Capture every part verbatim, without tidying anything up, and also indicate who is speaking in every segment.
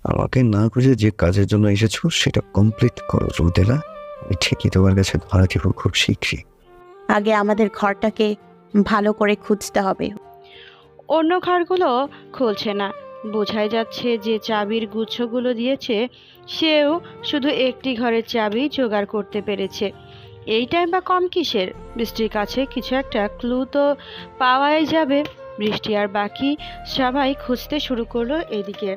Speaker 1: আমাকে না বুঝে যে কাজের জন্য এসেছো সেটা কমপ্লিট করো রুদেলা। আমি ঠিকই তোমার কাছে ধরা দিব খুব শীঘ্রই।
Speaker 2: আগে আমাদের ঘরটাকে ভালো করে খুঁজতে হবে।
Speaker 3: অন্য ঘরগুলো খুলছে না, বোঝাই যাচ্ছে যে চাবির গুচ্ছগুলো দিয়েছে সেও শুধু একটি ঘরের চাবি জোগাড় করতে পেরেছে। এইটাই বা কম কিসের? বৃষ্টির কাছে কিছু একটা ক্লু তো পাওয়াই যাবে। বৃষ্টি আর বাকি সবাই খুঁজতে শুরু করলো এদিকে।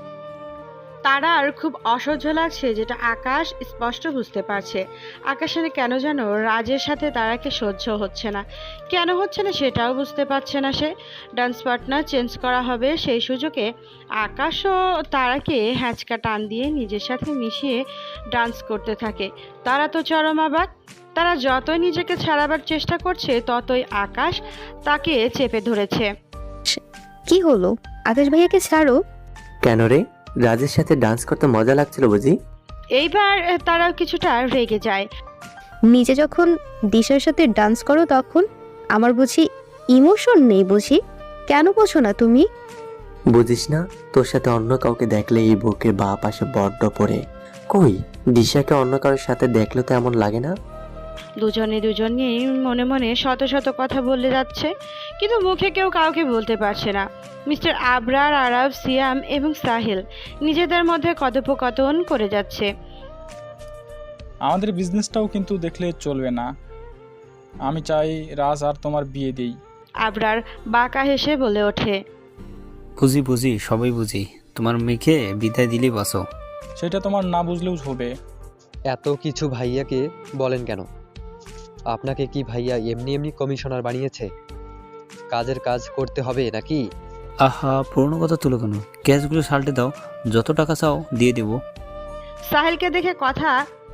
Speaker 3: তারার খুব অসহ্য লাগছে, যেটা আকাশ স্পষ্ট বুঝতে পারছে। আকাশের কেন যেন রাজের সাথে তারাকে সহ্য হচ্ছে না। কেন হচ্ছে না সেটাও বুঝতে পারছে না সে। ডান্স পার্টনার চেঞ্জ করা হবে সেই সুযোগে আকাশও তারাকে হ্যাঁচকা টান দিয়ে নিজের সাথে মিশিয়ে ডান্স করতে থাকে। তারা তো চরম অবাক। তারা যতই নিজেকে ছাড়াবার চেষ্টা করছে ততই আকাশ তাকে চেপে ধরেছে।
Speaker 4: কি হলো? আকাশ ভাইয়াকে ছাড়ো।
Speaker 5: কেন রে? রাজের সাথে ডান্স করতে মজা লাগছিল বুঝি?
Speaker 3: এইবার তারাও কিছুটা রেগে যায়।
Speaker 4: নিজে যখন দিশার সাথে ডান্স করো তখন আমার বুঝি ইমোশন নেই বুঝি? কেন বোঝো না তুমি?
Speaker 5: বুঝিস না, তোর সাথে অন্য কাউকে দেখলে এই বুকের বা পাশে বড্ড পড়ে। কই, দিশাকে অন্য কারোর সাথে দেখলে তো এমন লাগে না।
Speaker 3: দুজনে দুজনেই মনে মনে শত শত কথা বলে যাচ্ছে, কিন্তু মুখে কেউ কাউকে বলতে পারছে না। মিস্টার আবরার, আরাব, সিয়াম এবং সাহিল নিজেদের মধ্যে কথোপকথন করে যাচ্ছে।
Speaker 6: আমাদের বিজনেসটাও কিন্তু দেখলে চলবে না। আমি চাই রাজ আর তোমার বিয়ে দেই।
Speaker 3: আবরার বাঁকা হেসে বলে ওঠে,
Speaker 7: বুঝি বুঝি সবাই বুঝি, তোমার মেয়েকে বিদায় দিলেই বাসো।
Speaker 6: সেটা তোমার না বুঝলেও হবে।
Speaker 8: এত কিছু ভাইয়াকে বলেন কেন? আপনাকে কি ভাইয়া এমনি এমনি কমিশনার বানিয়েছে? কাজের কাজ করতে হবে নাকি?
Speaker 7: আহা, পুরনো কথা তুলো কেন? ক্যাশগুলো সাল্টে দাও, যত টাকা চাও দিয়ে দেবো।
Speaker 3: সাহিলকে দেখে কথা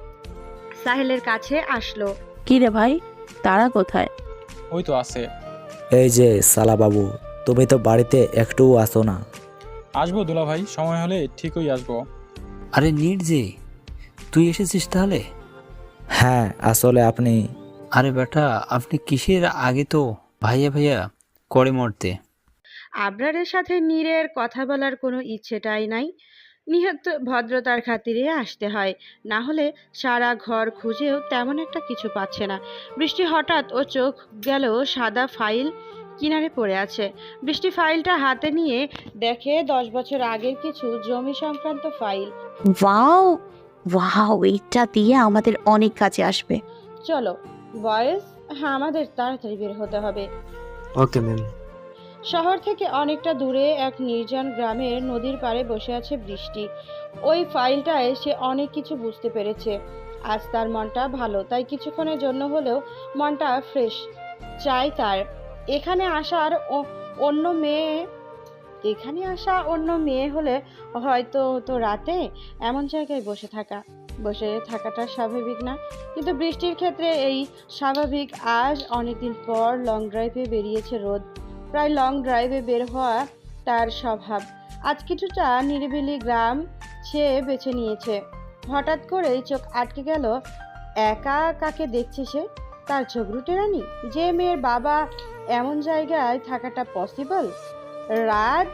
Speaker 3: সাহিলের কাছে আসলো।
Speaker 2: কি রে ভাই, তারা কোথায়?
Speaker 6: ওই তো আছে।
Speaker 9: এই যে সালা বাবু, তুমি তো বাড়িতে একটুও আসো না।
Speaker 6: আসবো দুলা ভাই, সময় হলে ঠিকই আসবো।
Speaker 7: আরে নিট যে, তুই এসেছিস তাহলে?
Speaker 9: হ্যাঁ, আসলে আপনি
Speaker 7: আরে বেটা, আপনি কিসের আগে তো ভাইয়া ভাইয়া করে মরতে।
Speaker 3: আবরারের সাথে নীরের কথা বলার কোনো ইচ্ছেটাই নাই। নিহত ভদ্রতার খাতিরে আসতে হয়, না হলে সারা ঘর খুঁজেও তেমন একটা কিছু পাচ্ছে না। বৃষ্টি হঠাৎ ও চোখ গেল সাদা ফাইল কিনারে পড়ে আছে। বৃষ্টি ফাইলটা হাতে নিয়ে দেখে দশ বছর আগের কিছু জমি সংক্রান্ত ফাইল।
Speaker 2: ওয়াও ওয়াও, এটা দিয়ে আমাদের অনেক কাজে আসবে।
Speaker 3: চলো বয়েজ, হ্যাঁ আমাদের তাড়াতাড়ি বের হতে হবে।
Speaker 5: Okay ma'am.
Speaker 3: শহর থেকে অনেকটা দূরে এক নির্জন গ্রামের নদীর পাড়ে বসে আছে বৃষ্টি। ওই ফাইলটায় সে অনেক কিছু বুঝতে পেরেছে। আজ তার মনটা ভালো, তাই কিছুক্ষণের জন্য হলেও মনটা ফ্রেশ চাই তার। এখানে আসার ও- অন্য মেয়ে এখানে আসা অন্য মেয়ে হলে হয়তো তো রাতে এমন জায়গায় বসে থাকা বসে থাকাটা স্বাভাবিক না, কিন্তু বৃষ্টির ক্ষেত্রে এই স্বাভাবিক। আজ অনেকদিন পর লং ড্রাইভে বেরিয়েছে রোদ। প্রায় লং ড্রাইভে বের হওয়া তার স্বভাব। আজ কিছুটা নিরিবিলি গ্রাম সে বেছে নিয়েছে। হঠাৎ করেই চোখ আটকে গেল। একা কাকে দেখছে সে? তার ঝগড়ুটে রানী, যে মেয়ের বাবা এমন জায়গায় থাকাটা পসিবল? রাত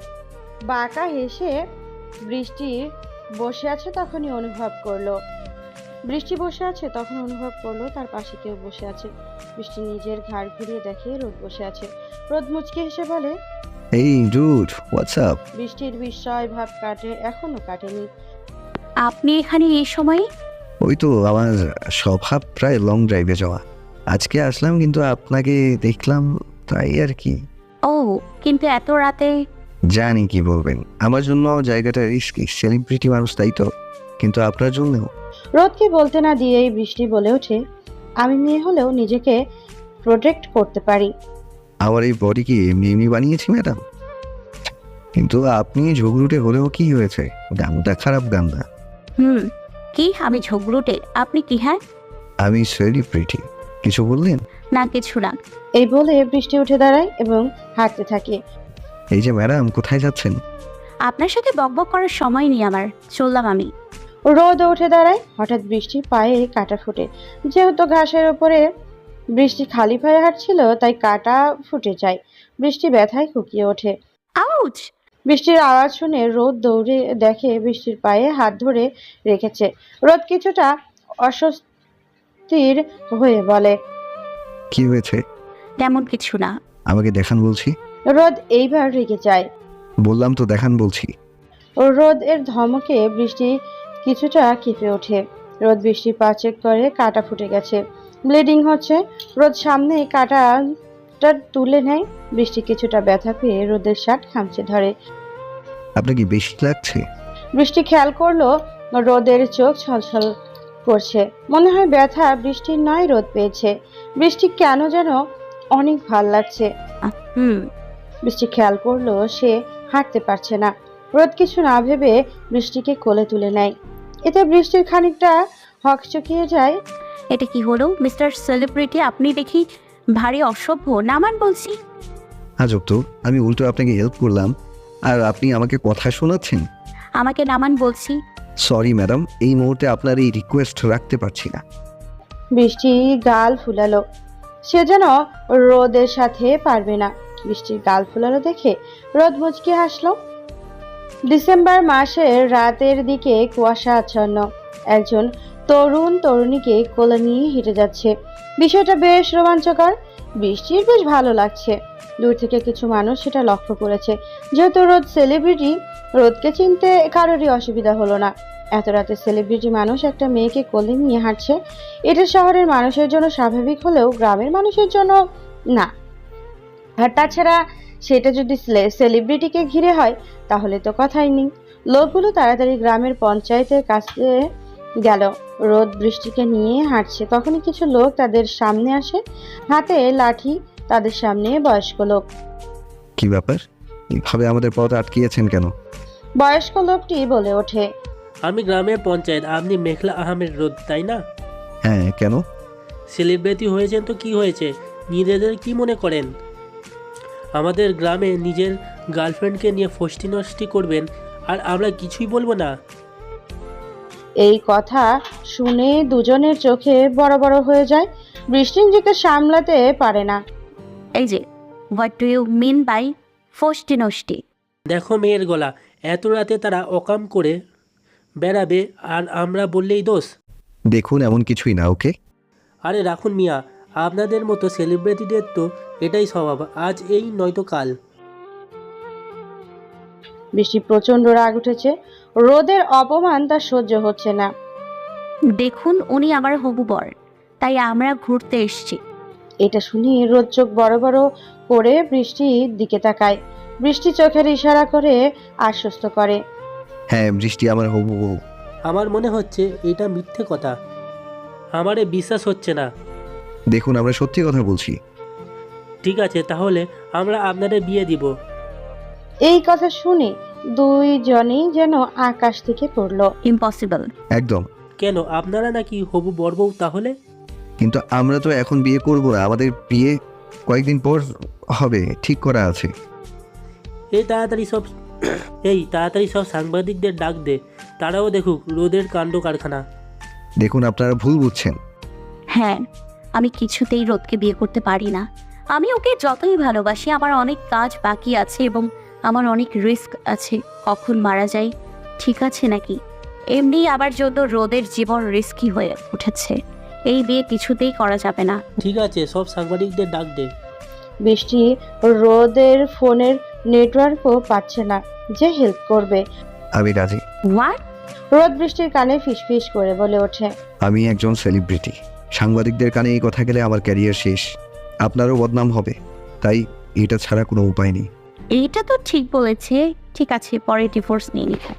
Speaker 3: বাঁকা হেসে বৃষ্টি বসে আছে তখনই অনুভব করলো বৃষ্টি বসে আছে তখন অনুভব করলো তার পাশে কেউ বসে আছে। বৃষ্টি নিজের ঘাড় ঘুরিয়ে দেখে রোদ বসে আছে। রোদ মুচকে হেসে বলে,
Speaker 1: এই ডুড, হোয়াটস আপ?
Speaker 3: বৃষ্টির বিস্ময় ভাব কাটে এখনো কাটেনি।
Speaker 2: আপনি এখানে এই সময়?
Speaker 1: ওই তো আমার স্বভাব প্রায় লং ড্রাইভে যাওয়া। আজকে আসলাম কিন্তু আপনাকে দেখলাম, তাই আর কি।
Speaker 2: ও, কিন্তু এত রাতে?
Speaker 1: জানি কি বলবেন, আমার জন্য জায়গাটা রিস্কি, সেলিব্রিটি মানুষ তাই তো, কিন্তু আপনার জন্যও।
Speaker 3: রোদকে বলতে না দিয়েই বৃষ্টি বলে ওঠে, আমি মেয়ে হলেও নিজেকে প্রোটেক্ট করতে পারি।
Speaker 1: আমার এই বডি কি এমনি এমনি বানিয়েছি ম্যাডাম? কিন্তু আপনি ঝগড়ুটে হলেও কি হয়েছে, গানটা খারাপ গান না।
Speaker 2: হুম, কি আমি ঝগড়ুটে? আপনি কি? হ্যাঁ,
Speaker 1: আমি সেলিব্রিটি। কিছু বললেন?
Speaker 2: না কিছু না।
Speaker 3: এই বলে বৃষ্টি উঠে দাঁড়ায় এবং হাঁটতে থাকে।
Speaker 1: এই যে ম্যাডাম, কোথায় যাচ্ছেন?
Speaker 2: আপনার সাথে বকবক করার সময় নেই আমার, চললাম আমি।
Speaker 3: রোদ উঠে দাঁড়ায়। হঠাৎ বৃষ্টির পায়ে কাঁটা ফুটে। যেহেতু ঘাসের ওপরে বৃষ্টি খালি পায়ে হাঁটছিল তাই কাঁটা ফুটে যায়। বৃষ্টি ব্যথায় কুকিয়ে ওঠে।
Speaker 2: আউচ!
Speaker 3: বৃষ্টির আওয়াজ শুনে রোদ দৌড়ে দেখে বৃষ্টির পায়ে হাত ধরে রেখেছে। রোদ কিছুটা অস্বস্তির হয়ে বলে,
Speaker 1: কি হয়েছে?
Speaker 2: তেমন কিছু না।
Speaker 1: আমাকে দেখান বলছি।
Speaker 3: রোদ এইবার রেগে যায়।
Speaker 1: বললাম তো দেখান বলছি।
Speaker 3: রোদ এর ধমকে বৃষ্টি কিছুটা কেঁপে ওঠে। রোদ বৃষ্টির পা চেক করে, কাটা ফুটে গেছে, ব্লিডিং হচ্ছে। রোদ সামনে কাটাটা তুলে নেয়। বৃষ্টি কিছুটা ব্যথা পেয়ে রোদের শার্ট খামচে ধরে।
Speaker 1: আপনার কি বেশি লাগছে?
Speaker 3: বৃষ্টি খেয়াল করলো রোদের চোখ ছলছল করছে। মনে হয় ব্যথা বৃষ্টির নয়, রোদ পেয়েছে। বৃষ্টি কেন যেন অনেক ভাল লাগছে।
Speaker 2: হুম।
Speaker 3: বৃষ্টি খেয়াল করলো সে হাঁটতে পারছে না। রোদ কিছু না ভেবে বৃষ্টিকে কোলে তুলে নেয়। এতে বৃষ্টির খানিকটা হকচকিয়ে যায়।
Speaker 2: এটা কি হলো মিস্টার সেলিব্রিটি? আপনি দেখি ভারী অসভ্য। নামান বলছি।
Speaker 1: আজব তো, আমি উল্টো আপনাকে হেল্প করলাম আর আপনি আমাকে কথা শোনাচ্ছেন।
Speaker 2: আমাকে নামান বলছি।
Speaker 1: সরি ম্যাডাম, এই মুহূর্তে আপনার এই রিকোয়েস্ট রাখতে পারছি না।
Speaker 3: বৃষ্টি গাল ফুলালো। সে যেন রোদের সাথে পারবে না। বৃষ্টির গাল ফুলালো দেখে রোদ মুচকি হাসলো। ডিসেম্বর মাসের রাতের দিকে কুয়াশা আচ্ছন্ন। একজন তরুণ তরুণীকে কোলে নিয়ে হেঁটে যাচ্ছে। বিষয়টা বেশ রোমাঞ্চকর। বৃষ্টির বেশ ভালো লাগছে। দূর থেকে কিছু মানুষ সেটা লক্ষ্য করেছে। যেহেতু রোদ সেলিব্রিটি, রোদকে চিনতে কারোরই অসুবিধা হলো না। এত রাতে সেলিব্রিটি মানুষ একটা মেয়েকে কোলে নিয়ে হাঁটছে, এটা শহরের মানুষের জন্য স্বাভাবিক হলেও গ্রামের মানুষের জন্য না। আর তাছাড়া সেটা যদি সেলিব্রিটিকে ঘিরে হয় তাহলে তো কথাই নেই। লোকগুলো তাড়াতাড়ি গ্রামের পঞ্চায়েতের কাছে গেল। রোদ বৃষ্টিকে নিয়ে হাঁটছে, তখনই কিছু লোক তাদের সামনে আসে, হাতে লাঠি। তাদের সামনে বয়স্ক লোক।
Speaker 1: কি ব্যাপার, এইভাবে আমাদের পথ আটকিয়েছেন কেন?
Speaker 3: বয়স্ক লোকটি বলে ওঠে,
Speaker 10: আমি গ্রামের পঞ্চায়েত, আপনি মেঘলা আহমেদ রোদ, তাই না?
Speaker 1: হ্যাঁ, কেন?
Speaker 10: সেলিব্রিটি হয়েছেন তো কি হয়েছে? নিজেদের কি মনে করেন? আমাদের গ্রামে নিজের গার্লফ্রেন্ডকে নিয়ে ফষ্টি নষ্টি করবেন আর আমরা কিছুই বলবো না?
Speaker 3: এই কথা শুনে দুজনের চোখে বড় বড় হয়ে যায়। বৃষ্টি নিজেকে সামলাতে পারে না।
Speaker 2: এই যে, what do you mean by ফষ্টি নষ্টি?
Speaker 10: দেখো মেয়ের গলা, এত রাতে তারা অকাম করে বেড়াবে আর আমরা বললেই দোষ?
Speaker 1: দেখুন, এমন কিছুই না। ওকে,
Speaker 10: আরে রাখুন মিয়া, আপনাদের মতো সেলিব্রিটিদের তো এটাই স্বভাব, আজ এই নয়তো কাল।
Speaker 3: বৃষ্টি প্রচন্ড রাগ উঠেছে। রোদের অপমান তার সহ্য হচ্ছে না।
Speaker 2: দেখুন, উনি আমার হবু বর, তাই আমরা ঘুরতে এসেছি।
Speaker 3: এটা শুনে রোদ চোখ বড় বড় করে বৃষ্টির দিকে তাকায়। বৃষ্টি চোখের ইশারা করে আশ্বস্ত করে।
Speaker 1: হ্যাঁ, বৃষ্টি আমার হবু বউ।
Speaker 10: আমার মনে হচ্ছে এটা মিথ্যে কথা, আমারে বিশ্বাস হচ্ছে না।
Speaker 1: দেখুন, আমরা সত্যি কথা বলছি।
Speaker 10: ঠিক আছে, তাহলে আমরা আপনাদের বিয়ে দিব।
Speaker 3: এই কথা শুনে দুইজনেই যেন আকাশ থেকে পড়লো।
Speaker 2: ইম্পসিবল।
Speaker 1: একদম।
Speaker 10: কেন, আপনারা নাকি হবু বর বউ তাহলে?
Speaker 1: কিন্তু আমরা তো এখন বিয়ে করব না, আমাদের বিয়ে কয়েকদিন পর হবে, ঠিক করা আছে।
Speaker 10: এই তাড়াতাড়ি সব এই তাড়াতাড়ি সব সাংবাদিকদের ডাক দে, তারাও দেখুক রোদের কাণ্ড কারখানা।
Speaker 1: দেখুন, আপনারা ভুল বুঝছেন।
Speaker 2: হ্যাঁ, আমি কিছুতেই রোদকে বিয়ে করতে পারি না। আমি ওকে যতই ভালোবাসি, আমার অনেক কাজ বাকি আছে এবং আমার অনেক রিস্ক আছে। কখন মারা যাই ঠিক আছে নাকি? এমনি আবার জন্য রোদের জীবন রিস্কি হয়ে উঠেছে। এই বিয়ে কিছুতেই করা যাবে না।
Speaker 10: ঠিক আছে, সব সাংবাদিকদের ডাক দে।
Speaker 3: বৃষ্টি রোদের ফোনের নেটওয়ার্কও পাচ্ছে না যে হেল্প করবে।
Speaker 1: আমি রাজি।
Speaker 2: হোয়াট?
Speaker 3: রোদ বৃষ্টির কানে ফিসফিস করে বলে ওঠে,
Speaker 1: আমি একজন সেলিব্রিটি। সাংবাদিকদের কানে এই কথা গেলে আমার ক্যারিয়ার শেষ, আপনারও বদনাম হবে। তাই এটা ছাড়া কোনো উপায় নেই।
Speaker 2: এইটা তো ঠিক বলেছে। ঠিক আছে, পরে ডিভোর্স নিয়ে নিব।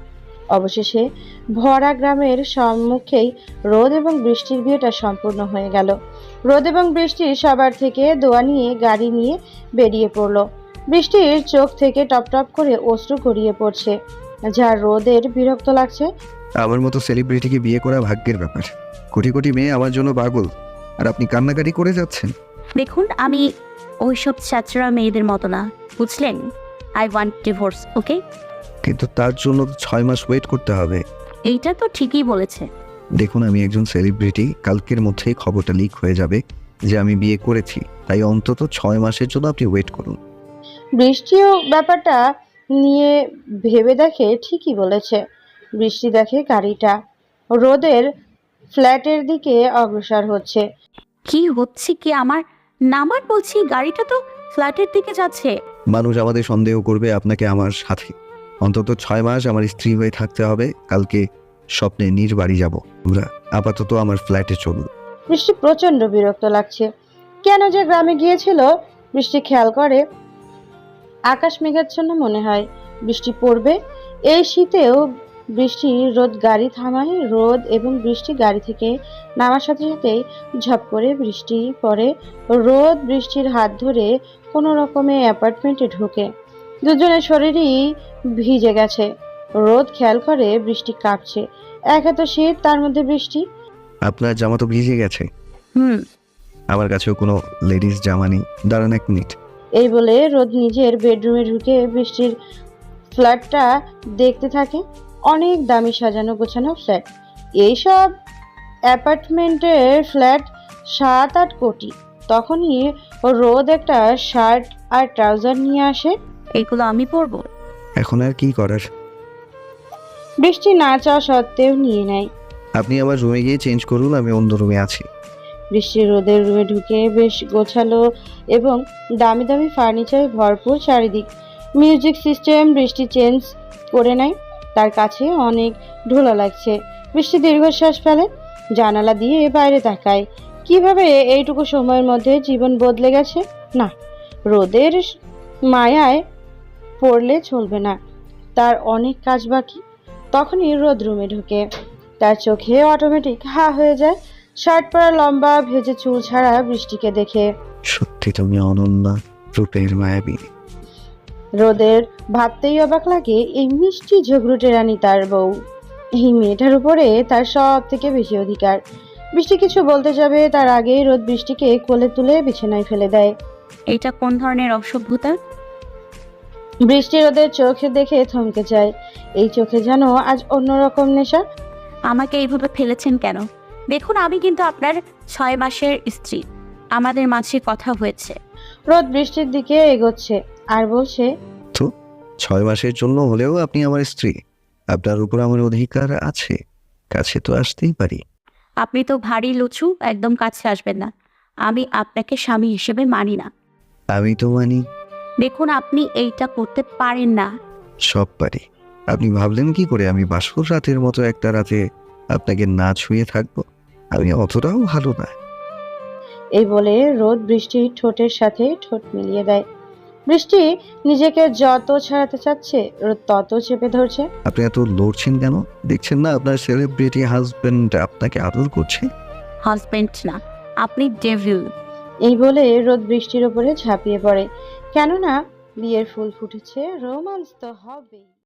Speaker 3: অবশেষে ভরা গ্রামের সম্মুখেই রোদ এবং বৃষ্টির বিয়েটা সম্পূর্ণ হয়ে গেল। রোদ এবং বৃষ্টি সবার থেকে দোয়া নিয়ে গাড়ি নিয়ে বেরিয়ে পড়লো। বৃষ্টির চোখ থেকে টপ টপ করে অশ্রু গড়িয়ে পড়ছে, যা রোদের বিরক্ত লাগছে।
Speaker 1: আমার মতো সেলিব্রিটিকে বিয়ে করা ভাগ্যের ব্যাপার। কোটি কোটি মেয়ে আমার জন্য পাগল, আর আপনি কান্নাকাটি করে যাচ্ছেন।
Speaker 2: দেখুন, আমি ওইসব ছাত্রা মেয়েদের মতো না, বুঝলেন? I want divorce, okay?
Speaker 1: কিন্তু তার জন্য তো ছয় মাস ওয়েট করতে হবে।
Speaker 2: এইটা তো ঠিকই বলেছে।
Speaker 1: দেখুন, আমি একজন সেলিব্রিটি, কালকের মধ্যেই খবরটা লিক হয়ে যাবে যে আমি বিয়ে করেছি। তাই অন্তত ছয় মাসের জন্য আপনি ওয়েট করুন।
Speaker 3: বৃষ্টিও ব্যাপারটা নিয়ে ভেবে দেখে ঠিকই বলেছে। বৃষ্টি দেখে গাড়িটা রোদের ফ্ল্যাটের দিকে অগ্রসর হচ্ছে।
Speaker 2: কি হচ্ছে কি আমার? নামার বলছি, গাড়িটা তো ফ্ল্যাটের দিকে যাচ্ছে।
Speaker 1: মানুষ আমাদের সন্দেহ করবে আপনাকে আমার সাথে। অন্তত ছয় মাস আমার স্ত্রী হয়ে থাকতে হবে। কালকে স্বপ্নে নিজ বাড়ি যাব। আমরা আপাতত আমার ফ্ল্যাটে চলুন।
Speaker 3: বৃষ্টি প্রচন্ড বিরক্ত লাগছে। কেন যে গ্রামে গিয়েছিল বৃষ্টি খেয়াল করে আকাশ মেঘাচ্ছন্ন মনে হয়, বৃষ্টি পড়বে। এই শীতেও বৃষ্টি রোদ গাড়ি থামায়। রোদ এবং বৃষ্টি গাড়ি থেকে নামার সাথে সাথেই ঝপ করে বৃষ্টি পড়ে। রোদ বৃষ্টির হাত ধরে কোনো রকমে অ্যাপার্টমেন্টে ঢোকে। দুজনের শরীরই ভিজে গেছে। রোদ খেয়াল করে বৃষ্টি কাঁপছে। একে তো শীত, তার মধ্যে বৃষ্টি।
Speaker 1: আপনার জামা তো ভিজে গেছে।
Speaker 2: হুম।
Speaker 1: আমার কাছেও কোনো লেডিস জামা নেই। দাঁড়ান এক মিনিট।
Speaker 3: এই বলে রোদ নিজের বেডরুমে ঢুকে বৃষ্টির ফ্ল্যাটটা দেখতে থাকে। অনেক দামি সাজানো গোছানো ফ্ল্যাট। এইসব অ্যাপার্টমেন্টের ফ্ল্যাট সাত আট কোটি। তখনই রোদ একটা শার্ট আর ট্রাউজার নিয়ে আসে।
Speaker 2: এগুলো আমি পরবো?
Speaker 1: এখন আর কি করার?
Speaker 3: বৃষ্টি না চাওয়া সত্ত্বেও নিয়ে নেয়।
Speaker 1: আপনি আমার রুমে গিয়ে চেঞ্জ করুন, আমি অন্য রুমে আছি।
Speaker 3: বৃষ্টি রোদের রুমে ঢুকে বেশ গোছালো এবং দামি দামি ফার্নিচারে ভরপুর চারিদিক। মিউজিক সিস্টেম বৃষ্টি চেঞ্জ করে নেয়। তার কাছে অনেক ঢোলা লাগছে। বৃষ্টি দীর্ঘশ্বাস ফেলে, জানালা দিয়ে বাইরে তাকায়। কিভাবে এইটুকু সময়ের মধ্যে জীবন বদলে গেছে। না, রোদের মায়ায় পড়লে চলবে না। তার অনেক কাজ বাকি। তখনই রোদ রুমে ঢুকে। তার চোখে অটোমেটিক হা হয়ে যায়। শার্ট পরা, লম্বা ভেজে চুল ছাড়া বৃষ্টিকে দেখে।
Speaker 1: সত্যি তুমি অনন্যা, রূপের মায়াবী।
Speaker 3: রোদের ভাবতেই অবাক লাগে এই মিষ্টি ঝগড়ুটে রানী তার বউ। এই মেয়েটার উপরে তার সব থেকে বেশি অধিকার। বৃষ্টি কিছু বলতে যাবে তার আগেই রোদ বৃষ্টিকে কোলে তুলে বিছানায় ফেলে দেয়।
Speaker 2: এটা কোন ধরনের অসভ্যতা?
Speaker 3: বৃষ্টি রোদের চোখে দেখে থমকে যায়। এই চোখে যেন আজ অন্যরকম নেশা।
Speaker 2: আমাকে এইভাবে ফেলেছেন কেন? দেখুন, আমি কিন্তু আপনার ছয় মাসের স্ত্রী। আমাদের মাঝে কথা হয়েছে।
Speaker 3: রোদ বৃষ্টির দিকে এগোচ্ছে আর বলছে,
Speaker 1: তো ছয় মাসের জন্য হলেও আপনি আমার স্ত্রী। আপনার উপর আমার অধিকার আছে। কাছে তো আসতেই পারি।
Speaker 2: আপনি তো ভারী লুচু, একদম কাছে আসবেন না। আমি আপনাকে স্বামী হিসেবে মানি না।
Speaker 1: আমি তো মানি।
Speaker 2: দেখুন, আপনি এইটা করতে পারেন না।
Speaker 1: সব পারি। আপনি ভাবলেন কি করে আমি বাসর রাতের মতো একটা রাতে আপনাকে না ছুঁয়ে থাকবো? আমি অতটাও ভালো না।
Speaker 3: এই বলে রোদ বৃষ্টির ঠোঁটের সাথে ঠোঁট মিলিয়ে দেয়। বৃষ্টি নিজেকে যত ছাড়াতে চাচ্ছে রোদ তত চেপে ধরছে।
Speaker 1: আপনি এত লড়ছেন কেন? দেখছেন না আপনার সেলিব্রিটি হাজবেন্ড আপনাকে আদর করছে?
Speaker 2: হাজবেন্ড না, আপনি ডেভিল।
Speaker 3: এই বলে রোদ বৃষ্টির ওপরে ঝাঁপিয়ে পড়ে। কেননা বিয়ের ফুল ফুটেছে, রোমান্স তো হবেই।